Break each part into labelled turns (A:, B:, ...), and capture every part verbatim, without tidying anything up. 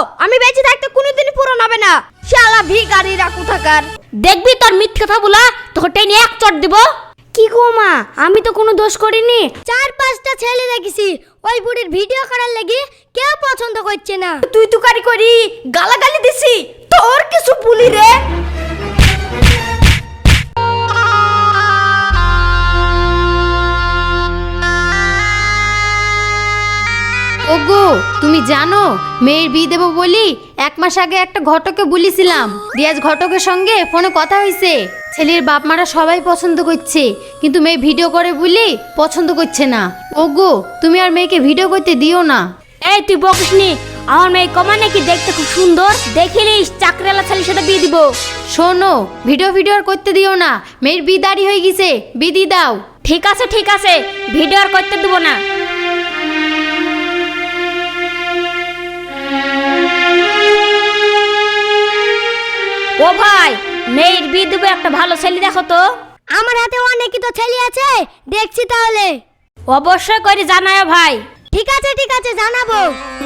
A: আমি বেঁচে থাকতে কোনোদিন পূরণ হবে না। শালা ভিখারিরা কোথাকার।
B: দেখবি তোর মিথ্যে কথা বলা তোকে টেনে এক চট দিব।
A: কি গো মা, আমি তো কোনো দোষ করিনি। চার পাঁচটা ছেলে দেখেছি, ওই বুড়ির ভিডিও করার লাগি কেউ পছন্দ করছে না।
B: তুই তো কারি করি গালাগালি দিছি, তোর কিছু বলি রে।
C: ওগো তুমি জানো মেয়ের বিয়ে দেবো বলি এক মাস আগে একটা ঘটকে বলেছিলাম, রিয়াজ ঘটকের সঙ্গে ফোনে কথা হয়েছে। ছেলের বাপ মারা সবাই পছন্দ করছে, কিন্তু মেয়ে ভিডিও করে বলি পছন্দ করছে না। ওগো তুমি আর মেয়েকে ভিডিও করতে দিও না।
B: এই তুই বকিসনি, আমার মেয়ে কমা নাকি দেখতে খুব সুন্দর, দেখিলিস চাকরিওয়ালা ছেলের সাথে বিয়ে দিব।
C: শোনো, ভিডিও ভিডিও আর করতে দিও না, মেয়ের বিয়ে দাঁড়ি হয়ে গেছে, বিয়ে দিয়ে দাও।
B: ঠিক আছে ঠিক আছে, ভিডিও আর করতে দেবো না। ও ভাই, মেয়ের বিয়ে দেবো, একটা ভালো ছেলে দেখো তো।
A: আমার হাতে অনেকই তো ছেলে আছে, দেখছি তাহলে।
B: অবশ্যই করে জানায় ভাই।
A: ঠিক আছে ঠিক আছে, জানাবো।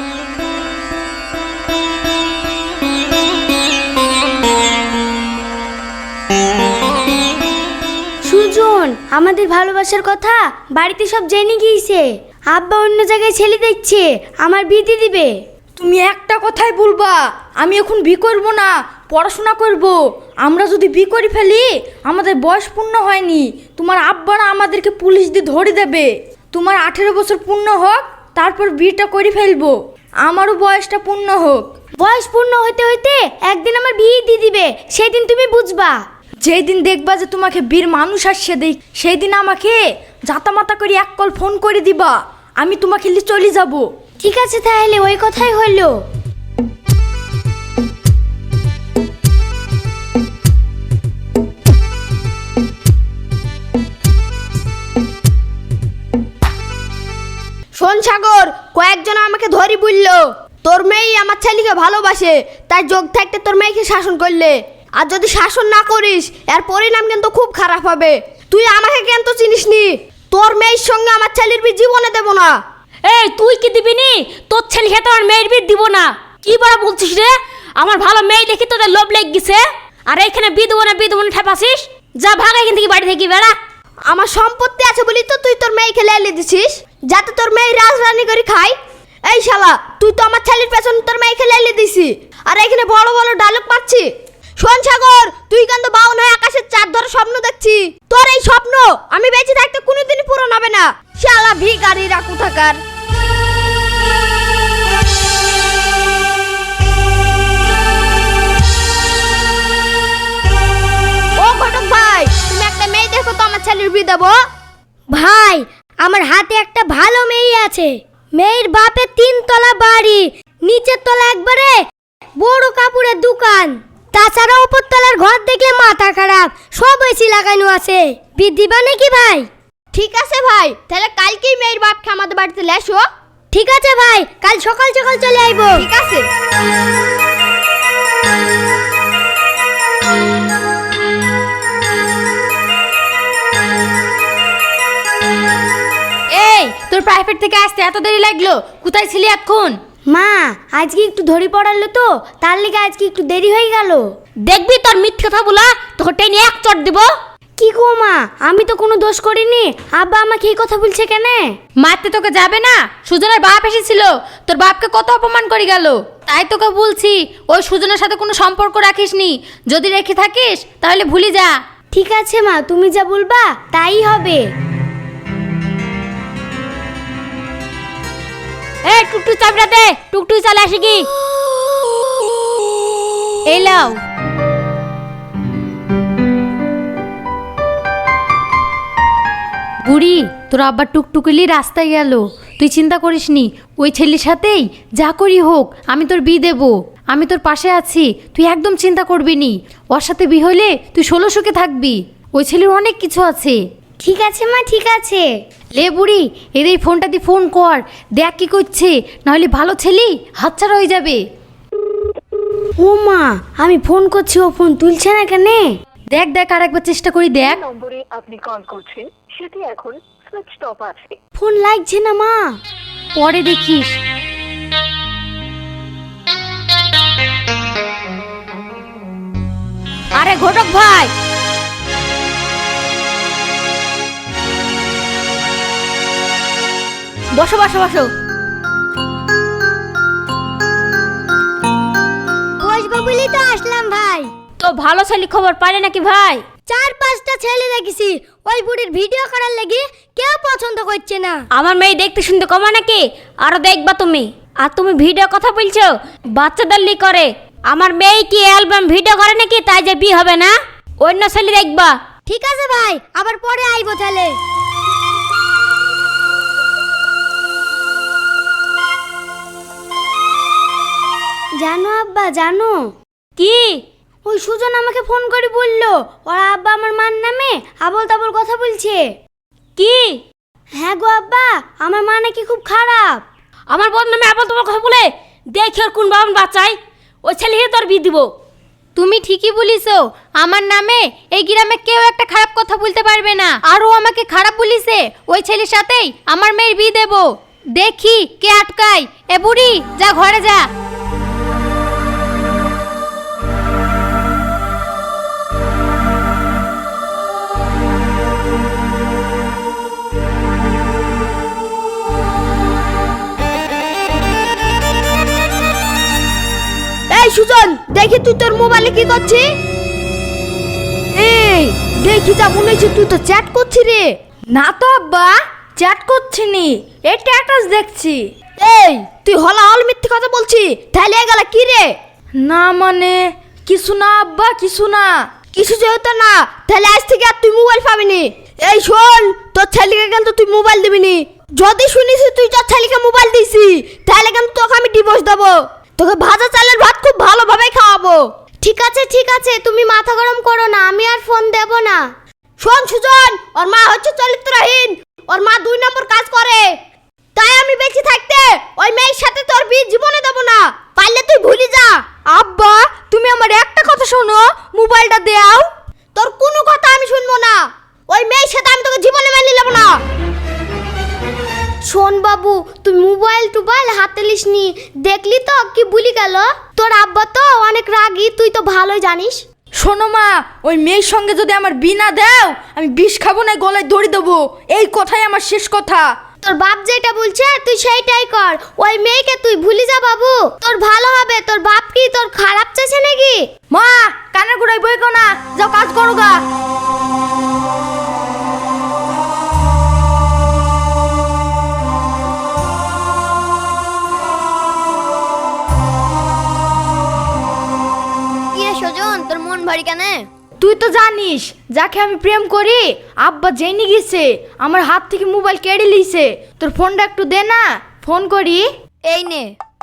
A: সুজন, আমাদের ভালোবাসার কথা বাড়িতে সব জেনে গিয়েছে। আব্বা অন্য জায়গায় ছেলে দেখছে, আমার বিয়ে দিয়ে দিবে।
D: তুমি একটা কথাই বলবা, আমি এখন বিয়ে করবো না, পড়াশোনা করব। আমরা যদি বিয়ে করে ফেলি, আমাদের বয়স পূর্ণ হয়নি, তোমার আব্বারা আমাদেরকে পুলিশ দিয়ে ধরে দেবে। তোমার আঠেরো বছর পূর্ণ হোক, তারপর বিয়েটা করে ফেলবো। আমারও বয়সটা পূর্ণ হোক।
A: বয়স পূর্ণ হইতে হইতে একদিন আমার বিয়ে দিয়ে দিবে, সেদিন তুমি বুঝবা।
D: যেই দিন দেখবা যে তোমাকে বীর মানুষ আসছে দেখ, সেই দিন আমাকে জাতামাতা করে এক কল ফোন করে দিবা, আমি তোমাকে নিয়ে চলে যাব।
A: ঠিক আছে তাহলে, ওই কথাই হইলো। শোন সাগর, কয়েকজন আমাকে ধরি বললো তোর মেয়ে আমার ছেলেকে ভালোবাসে, তাই যোগ থাকতে তোর মেয়েকে শাসন করলে। আর যদি শাসন না করিস, এর পরিণাম কিন্তু খুব খারাপ হবে। তুই আমাকে কেন তো চিনিস নি, তোর মেয়ের সঙ্গে আমার ছেলের বিয়ে জীবনে দেব না।
B: এই তুই কি দিবি নি? তোর ছেলে খেতে আমার মেয়ের বিয়ে দিব না, কি বড় বলছিস রে? আমার ভালো মেয়ে দেখি তোদের লোভ লেগে গেছে, আর এইখানে বিয়ে দেবো না বিয়ে দেবো না ঠেপাসিস। যা ভাগ এখান থেকে, বাড়ি থেকে বেড়া।
A: আমার সম্পত্তি আছে বলি তো তুই তোর মেয়েকে লেলে দিছিস, যাতে তোর মেয়ে রাজরানি করে খায়। এই শালা, তুই তো আমার ছেলের পেছনে তোর মেয়েকে লেলে দিছি, আর এখানে বড় বড় ডায়লগ পাচ্ছি। শোন সাগর, তুই কিন্তু বাউন হয়ে আকাশের চাঁদ ধরে স্বপ্ন দেখছি। তোর এই স্বপ্ন আমি বেঁচে থাকতে কোনোদিনই পূরণ হবে না। শালা ভিখারিরা কোথাকার। ও ঘটক ভাই, তুমি একটা মেয়ে দেখো তো, আমার ছেলের বিয়ে দেবো। ভাই, আমার হাতে একটা ভালো মেয়ে আছে। মেয়ের বাপের তিন তলা বাড়ি, নিচের তলা একবারে বড় কাপড়ের দোকান, তাছাড়া উপর তলার ঘর দেখলে মাথা খারাপ, সব এসি লাগানো আছে। বিয়ে দিবা নাকি ভাই? ঠিক আছে ভাই, তাহলে কালকেই মেয়ের বাপকে আমাদের বাড়িতে লেসো। ঠিক আছে ভাই, কাল সকাল সকাল চলে আইবো। ঠিক আছে।
C: এই তোর প্রাইভেট থেকে আসতে এত দেরি লাগলো, কোথায় ছিলি এতক্ষণ?
A: মা, আজকে একটু ধরি পড়ালো তো, তার লেগে আজকে একটু দেরি হয়ে গেল।
B: দেখবি তোর মিথ্যে কথা বলা তোকে টেনে এক চট দিব।
A: কি গো মা, আমি তো কোনো দোষ করিনি, আব্বা আমাকে এই কথা বলছে কেন?
C: মারতে তোকে যাবে না, সুজনের বাপ এসেছিল, তোর বাপকে কত অপমান করে গেল। তাই তোকে বলছি ওই সুজনের সাথে কোনো সম্পর্ক রাখিসনি, যদি রেখে থাকিস তাহলে ভুলে যা।
A: ঠিক আছে মা, তুমি যা বলবা তাই হবে।
B: এই টুকটু চাপড়া দে, টুকটু চলে আসে কি।
C: এই লাও। বুড়ি, তোর আব্বা টুকটুকিলি রাস্তায় গেল, তুই চিন্তা করিসনি, ওই ছেলের সাথেই যা করি হোক আমি তোর বিয়ে দেবো। আমি তোর পাশে আছি, তুই একদম চিন্তা করবি নি। ওর সাথে বিয়ে হলে তুই ষোলো সুখে থাকবি, ওই ছেলের অনেক কিছু আছে।
A: ঠিক আছে মা, ঠিক আছে।
C: লে বুড়ি, এর এই ফোনটা দিয়ে ফোন কর, দেখ কি করছে, নাহলে ভালো ছেলে হাতছাড়া হয়ে যাবে।
A: ও মা, আমি ফোন করছি, ও ফোন তুলছে না কেন?
C: দেখ দেখ আর একবার চেষ্টা করি দেখ।
E: নম্বরে আপনি কল করছেন সেটি এখন সুইচড অফ আছে।
A: ফোন লাগছে না মা।
C: পরে দেখিস।
B: ঘটক ভাই। বসো বসো বসো।
A: বসবো বলি তো আসলাম ভাই।
B: তো ভালো ছেলে খবর পাইলে নাকি ভাই?
A: চার পাঁচটা ছেলে দেখেছি, ওই বুড়ির ভিডিও করার লাগি কেউ পছন্দ করছে না।
B: আমার মেয়ে দেখতে শুনতে কমা নাকি? আরো দেখবা তুমি। আর তুমি ভিডিও কথা বলছো, বাচ্চাদের লি করে। আমার মেয়ে কি অ্যালবাম ভিডিও করে নাকি তাই যে বিয়ে হবে না? অন্য ছেলে দেখবা।
A: ঠিক আছে ভাই, আবার পরে আইবো তাহলে। জানো আব্বা, জানো
B: কি?
A: ওই সুজন আমাকে ফোন করে বললো ওরা আব্বা আমার মার নামে আবল তাবল কথা বলছে।
B: কি?
A: হ্যাঁ গো আব্বা, আমার মা নাকি খুব খারাপ।
B: আমার বোন নামে আবার তোমার কথা বলে দেখি ওর কোন বাবা বাচ্চাই, ওই ছেলেকে তোর বিয়ে দিব।
C: তুমি ঠিকই বলিছো, আমার নামে এই গ্রামে কেউ একটা খারাপ কথা বলতে পারবে না। আর ও আমাকে খারাপ বলিছে, ওই ছেলের সাথেই আমার মেয়ের বিয়ে দেব। দেখি কে আটকায়। এ বুড়ি, যা ঘরে যা।
D: এই সুজন, দেখি তুই তোর মোবাইলে কি করছিস? এই দেখি যা মনে হচ্ছে তুই তো চ্যাট করছিস রে। না তো আব্বা, চ্যাট করছি নি, এই স্ট্যাটাস দেখছি। এই তুই হলা হল মিথ্যে কথা বলছি, তাহলে এগুলা কি রে? না মানে কিছু না আব্বা, কিছু না। কিছু যেহেতু না, তাহলে আজ থেকে আর তুই মোবাইল পাবি নি। এই শোন, তোর ছেলেকে কিন্তু তুই মোবাইল দিবি নি। যদি শুনিস তুই তোর ছেলেকে মোবাইল দিছি, তাহলে কিন্তু তোকে আমি ডিভোর্স দেবো। তোকে ভাজা চালের ভাত খুব ভালোভাবে খাওয়াবো।
A: ঠিক আছে ঠিক আছে, তুমি মাথা গরম করো না, আমি আর ফোন দেব না।
D: শোন সুজন, ওর মা হচ্ছে চরিত্রহীন, ওর মা দুই নম্বর কাজ করে। তাই আমি বেঁচে থাকতে ওই মেয়ের সাথে তোর বিয়ে জীবনে দেবো না, পারলে তুই ভুলে যা। আব্বা, তুমি আমার একটা কথা শোনো, মোবাইলটা দাও। তোর কোনো কথা আমি শুনবো না, ওই মেয়ের সাথে আমি তোকে জীবনে মেনে নেব না।
A: শোন বাবু, তুই মোবাইল টোবাইল হাতে লিসনি, দেখলি তো কি বলি গেল। তোর আব্বা তো অনেক রাগী, তুই তো ভালোই জানিস।
D: শোনো মা, ওই মেয়ের সঙ্গে যদি আমার বিনা দাও, আমি বিষ খাবো না, গলায় দড়ি দেবো। এই কথাই আমার শেষ কথা।
A: তোর বাপ যেটা বলছে তুই সেইটাই কর, ওই মেয়েকে তুই ভুলে যা বাবু, তোর ভালো হবে। তোর বাপ কি তোর খারাপ চাইছে নাকি?
D: মা, কানের গোড়ায় বই কো না, যাও কাজ করো গা।
A: সুজন, তোর মন ভারী কেন?
D: তুই তো জানিস যাকে আমি প্রেম করি আব্বা জেনে গেছে, আমার হাত থেকে মোবাইল কেড়ে লিছে। তোর ফোনটা একটু দে না, ফোন করি।
A: এই নে।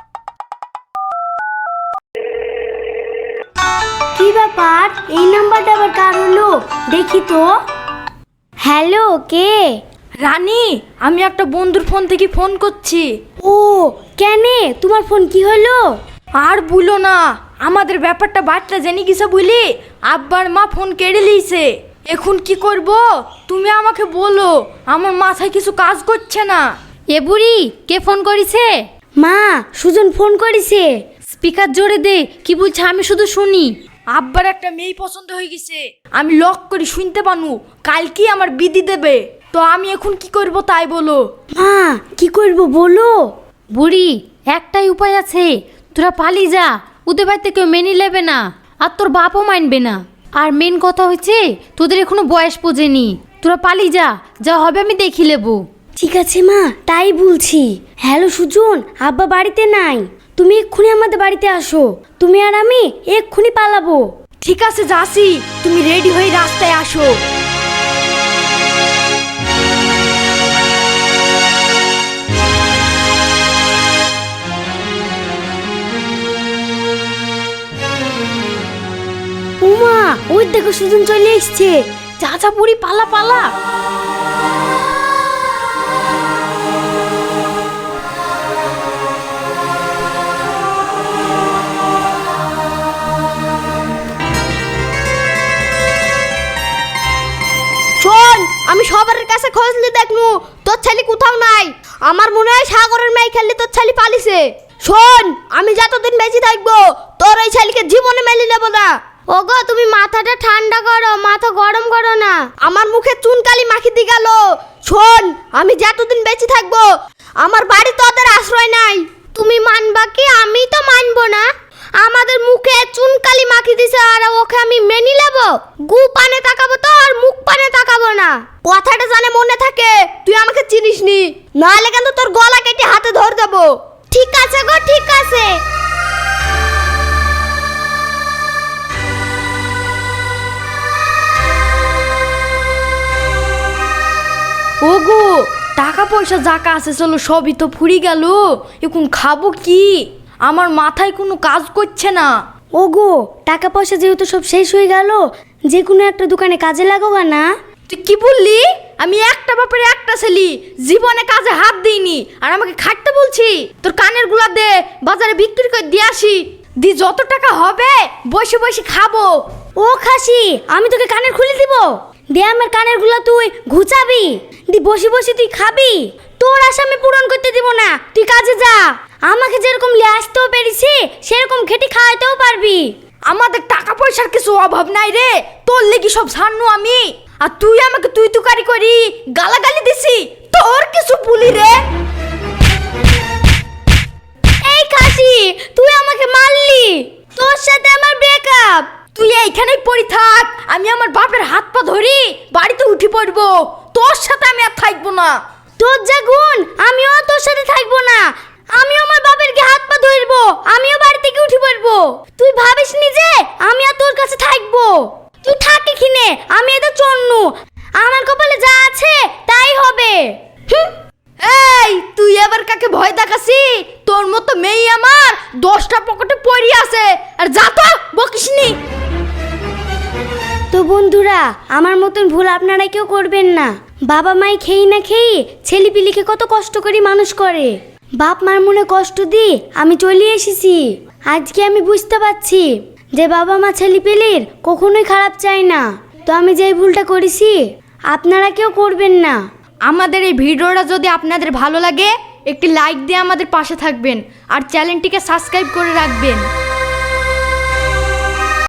A: কি ব্যাপার, এই নাম্বারটা আবার কার হলো? দেখি তো। হ্যালো, কে?
D: রানী, আমি একটা বন্ধুর ফোন থেকে ফোন করছি।
A: ও কেনে, তোমার ফোন কি হলো?
D: আর বলো না, আমাদের ব্যাপারটা বাচ্চা জেনে গেছে বলি আব্বার মা ফোন কেড়ে লিয়েছে। এখন কি করব তুমি আমাকে বলো, আমার মাথায় কিছু কাজ করছে না।
C: এ বুড়ি, কে ফোন করেছে?
A: মা, সুজন ফোন করেছে।
C: স্পিকার জোরে দে, কি বলছে আমি শুধু শুনি।
D: আব্বার একটা মেয়ে পছন্দ হয়ে গেছে, আমি লক করে শুনতে পানু, কালকে আমার বিধি দেবে। তো আমি এখন কি করব তাই বলো।
A: মা, কি করব বলো।
C: বুড়ি, একটাই উপায় আছে, তোরা পালিয়ে যা। ওদের বাড়িতে কেউ মেনে নেবে না, আর তোর বাপও মানবে না। আর মেন কথা হচ্ছে তোদের এখনো বয়স পৌঁছেনি, তোরা পালিয়ে যা, যা হবে আমি দেখি নেবো।
A: ঠিক আছে মা, তাই বলছি। হ্যালো সুজন, আব্বা বাড়িতে নাই, তুমি এক্ষুনি আমাদের বাড়িতে আসো। তুমি আর আমি এক্ষুনি পালাবো।
D: ঠিক আছে যাসি, তুমি রেডি হয়ে রাস্তায় আসো।
A: উমা, ওই দেখো সুজন চলে এসছে।
D: চাচা বুড়ি, পালা পালা। শোন, আমি সবার কাছে খোঁজ নিয়ে দেখনু, তোর ছেলে কোথাও নাই। আমার মনে হয় সাগরের মেয়ে খেললে তোর ছেলে পালিছে। শোন, আমি যতদিন বেঁচে থাকবো তোর ওই ছেলেকে জীবনে মেনে নেব না।
A: ওগো, তুমি মাথাটা ঠান্ডা মাখি দিয়ে গেল। শোন, আমি যতদিন বেঁচে থাকবো আমার বাড়ি তো ওদের আশ্রয় নাই। তুমি মানবা কি? আমি তো মানবো না। আমাদের মুখে চুনকালি মাখি দিছে আর ওকে আমি মেনে নেব? গু পানে তাকাবো তো আর মুখ পানে তাকাবো না। কথাটা জানে মনে থাকে, তুই আমাকে চিনিস নি, নাহলে কিন্তু তোর গলা কেটে হাতে ধর দেবো। ঠিক আছে গো, ঠিক আছে।
D: ওগো, টাকা পয়সা যাকা আছে চলো সবই তো ফুরি গেল, এখন খাবো কি? আমার মাথায় কোনো কাজ করছে না।
A: ওগো, টাকা পয়সা যেহেতু সব শেষ হয়ে গেল, যে কোনো একটা দোকানে কাজে লাগাবা না।
D: তুই কি বললি? আমি একটা বাপের একটা ছেলি, জীবনে কাজে হাত দিইনি আর আমাকে খাটতে বলছি? তোর কানের গুলা দে, বাজারে বিক্রি করে দিয়ে আসি, দি যত টাকা হবে বসে বসে খাবো।
A: ও খাসি, আমি তোকে কানের খুলে দিব। দে আমার কানের গুলো তুই ঘুচাবি, দি বসে বসে তুই খাবি। তোর আশা আমি পূরণ করতে দিব না, তুই কাজে যা। আমাকে যেরকম লিয়ে আসতেও পেরেছি সেরকম খেটে খাওয়াতেও পারবি।
D: আমাদের টাকা পয়সার কিছু অভাব নাই রে, তোর লেগে সব ছাড়নু আমি। আর তুই আমাকে তুই তুকারি করি গালাগালি দিছি, তোর কিছু বলি রে?
A: এই খাসি, তুই আমাকে মারলি, তোর সাথে আমার ব্রেকআপ।
D: তুই এইখানেই পড়ি থাক, আমি আমার বাপের হাত পা ধরি বাড়িতে উঠে পড়বো। তোর সাথে আমি আর থাকবো না।
A: তোর যা গুণ, আমিও তোর সাথে থাকবো না। আমিও আমার বাপের গে হাত পা ধরবো, আমিও বাড়ি থেকে উঠে পড়বো। তুই ভাবিস নি যে আমি আর তোর কাছে থাকবো? তুই থাক এখানে, আমি এটা চন্নু, আমার কপালে যা আছে তাই হবে।
D: হুম, এই তুই এবার কাকে ভয় দেখাসি? তোর মতো মেয়ে আমার দশটা পকেটে পড়ি আছে, আর যা তো বকিসনি।
A: তো বন্ধুরা, আমার মতন ভুল আপনারা কেউ করবেন না। বাবা মাই খেয়ে না খেয়ে ছেলেপিলিকে কত কষ্ট করে মানুষ করে, বাপ মার মনে কষ্ট দি আমি চলে এসেছি। আজকে আমি বুঝতে পারছি যে বাবা মা ছেলেপিলির কখনোই খারাপ চায় না। তো আমি যেই ভুলটা করেছি আপনারা কেউ করবেন না।
D: আমাদের এই ভিডিওটা যদি আপনাদের ভালো লাগে একটি লাইক দিয়ে আমাদের পাশে থাকবেন আর চ্যানেলটিকে সাবস্ক্রাইব করে রাখবেন।